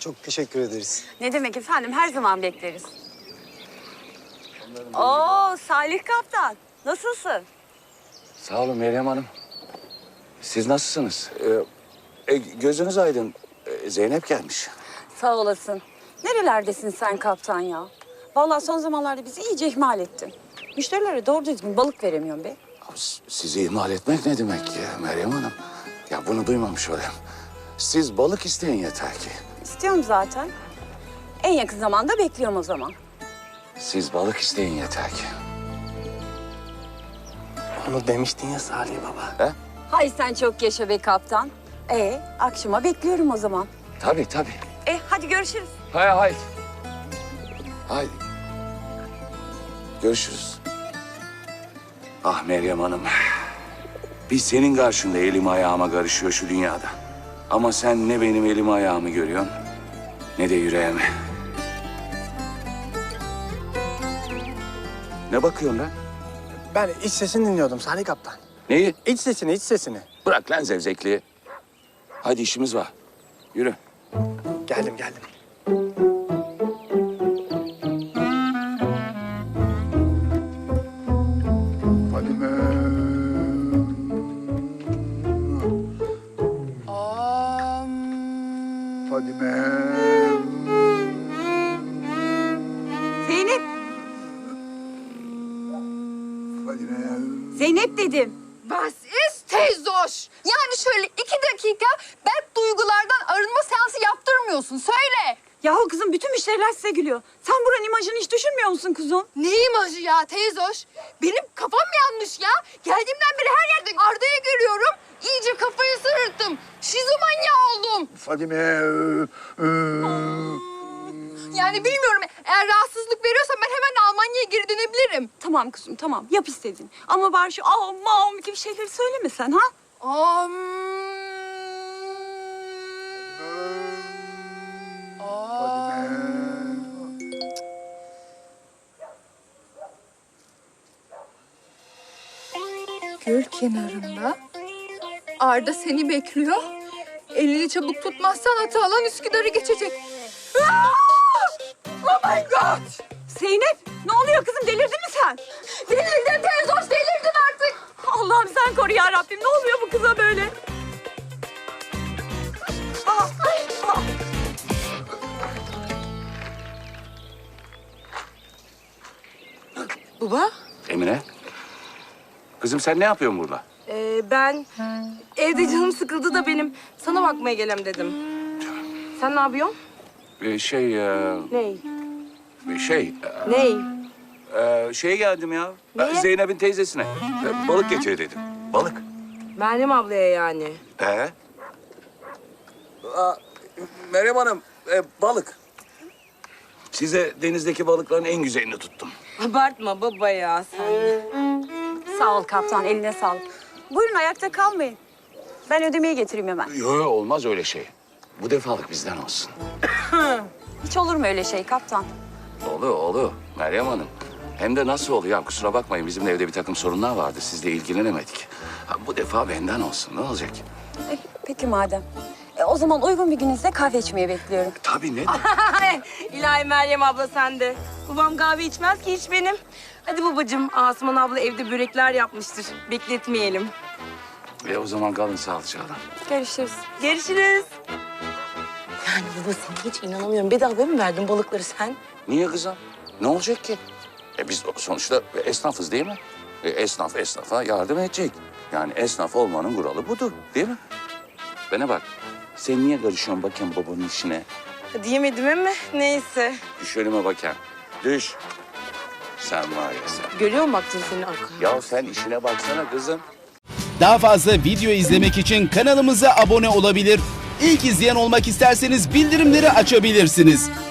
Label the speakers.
Speaker 1: Çok teşekkür ederiz.
Speaker 2: Ne demek efendim, her zaman bekleriz. Oo, Salih Kaptan. Nasılsın?
Speaker 3: Sağ olun Meryem Hanım. Siz nasılsınız? Gözünüz aydın. Zeynep gelmiş.
Speaker 2: Sağ olasın. Nerelerdesin sen kaptan ya? Vallahi son zamanlarda bizi iyice ihmal ettin. Müşterilere doğru düzgün balık veremiyorum be.
Speaker 3: Sizi ihmal etmek ne demek ya Meryem Hanım? Ya bunu duymamış olayım. Siz balık isteyin yeter ki.
Speaker 2: İstiyorum zaten. En yakın zamanda bekliyorum o zaman.
Speaker 3: Siz balık isteyin yeter ki.
Speaker 1: Onu demiştin ya Salih Baba.
Speaker 3: He?
Speaker 2: Hay sen çok yaşa be kaptan. Akşama bekliyorum o zaman.
Speaker 3: Tabii tabii.
Speaker 2: Hadi görüşürüz.
Speaker 3: Haydi. Haydi. Görüşürüz. Ah Meryem Hanım. Biz senin karşında elim ayağıma karışıyor şu dünyada. Ama sen ne benim elim ayağımı görüyorsun ne de yüreğimi. Ne bakıyorsun lan?
Speaker 1: Ben iç sesini dinliyordum Salih Kaptan.
Speaker 3: Neyi?
Speaker 1: İç sesini, iç sesini.
Speaker 3: Bırak lan zevzekliği. Hadi işimiz var. Yürü.
Speaker 1: Geldim.
Speaker 4: Fadime. Fadime.
Speaker 2: Zeynep.
Speaker 4: Fadime.
Speaker 2: Zeynep dedim.
Speaker 5: Was ist teyzoş? Yani şöyle 2 dakika bad duygulardan arınma seansı yaptırmıyorsun. Söyle.
Speaker 2: Yahu kızım bütün müşteriler size gülüyor. Sen buranın imajını hiç düşünmüyor musun kuzum?
Speaker 5: Ne imajı ya teyzoş? Benim kafam yanmış ya. Geldiğimden beri her yerde Arda'yı görüyorum. İyice kafayı sırıttım. Şizomanya oldum.
Speaker 4: Fadime.
Speaker 5: Yani bilmiyorum. Eğer rahatsızlık veriyorsan ben hemen Almanya'ya geri dönebilirim.
Speaker 2: Tamam kuzum tamam yap istedin. Ama bari şu am gibi şeyleri söylemesen ha?
Speaker 5: Am. Göl kenarında Arda seni bekliyor. Elini çabuk tutmazsan atı alan Üsküdar'ı geçecek. Aa! Oh my God!
Speaker 2: Zeynep ne oluyor kızım delirdin mi sen?
Speaker 5: Delirdim teyzoş, delirdim artık.
Speaker 2: Allah'ım sen koru ya Rabbim ne oluyor bu kıza böyle?
Speaker 6: Baba,
Speaker 3: Emine. Kızım sen ne yapıyorsun burada?
Speaker 6: ben evde canım sıkıldı da benim sana bakmaya gelem dedim. Sen ne yapıyorsun? Ney?
Speaker 3: Şeye geldim ya.
Speaker 6: Neye?
Speaker 3: Zeynep'in teyzesine. Balık getir dedim. Balık.
Speaker 6: Meryem ablaya yani.
Speaker 3: Meryem Hanım, balık. Size denizdeki balıkların en güzelini tuttum.
Speaker 6: Abartma baba ya sen.
Speaker 2: Sağ ol kaptan eline sağlık. Buyurun ayakta kalmayın. Ben ödemeyi getireyim hemen.
Speaker 3: Yok olmaz öyle şey. Bu defalık bizden olsun.
Speaker 2: Hiç olur mu öyle şey kaptan?
Speaker 3: Olur Meryem Hanım. Hem de nasıl oluyor? Ya, kusura bakmayın bizim de evde bir takım sorunlar vardı. Sizle ilgilenemedik. Ha, bu defa benden olsun. Ne olacak?
Speaker 2: Peki madem. O zaman uygun bir gününüzde kahve içmeye bekliyorum.
Speaker 3: Tabii ne?
Speaker 6: İlahi Meryem abla sen de. Babam kahve içmez ki hiç benim. Hadi babacığım, Asuman abla evde börekler yapmıştır. Bekletmeyelim.
Speaker 3: O zaman kalın sağlıcakla.
Speaker 2: Görüşürüz.
Speaker 6: Görüşürüz. Yani baba sana hiç inanamıyorum. Bedava mı verdin balıkları sen?
Speaker 3: Niye kızım? Ne olacak ki? Biz sonuçta esnafız değil mi? Esnaf esnafa yardım edecek. Yani esnaf olmanın kuralı budur değil mi? Bana bak. Sen niye karışıyorsun bakayım babanın işine?
Speaker 6: Diyemedim ama neyse.
Speaker 3: Düş önüme bakayım. Düş. Sen var ya sen.
Speaker 6: Görüyor musun baktın senin arkana?
Speaker 3: Ya sen işine baksana kızım.
Speaker 7: Daha fazla video izlemek için kanalımıza abone olabilir. İlk izleyen olmak isterseniz bildirimleri açabilirsiniz.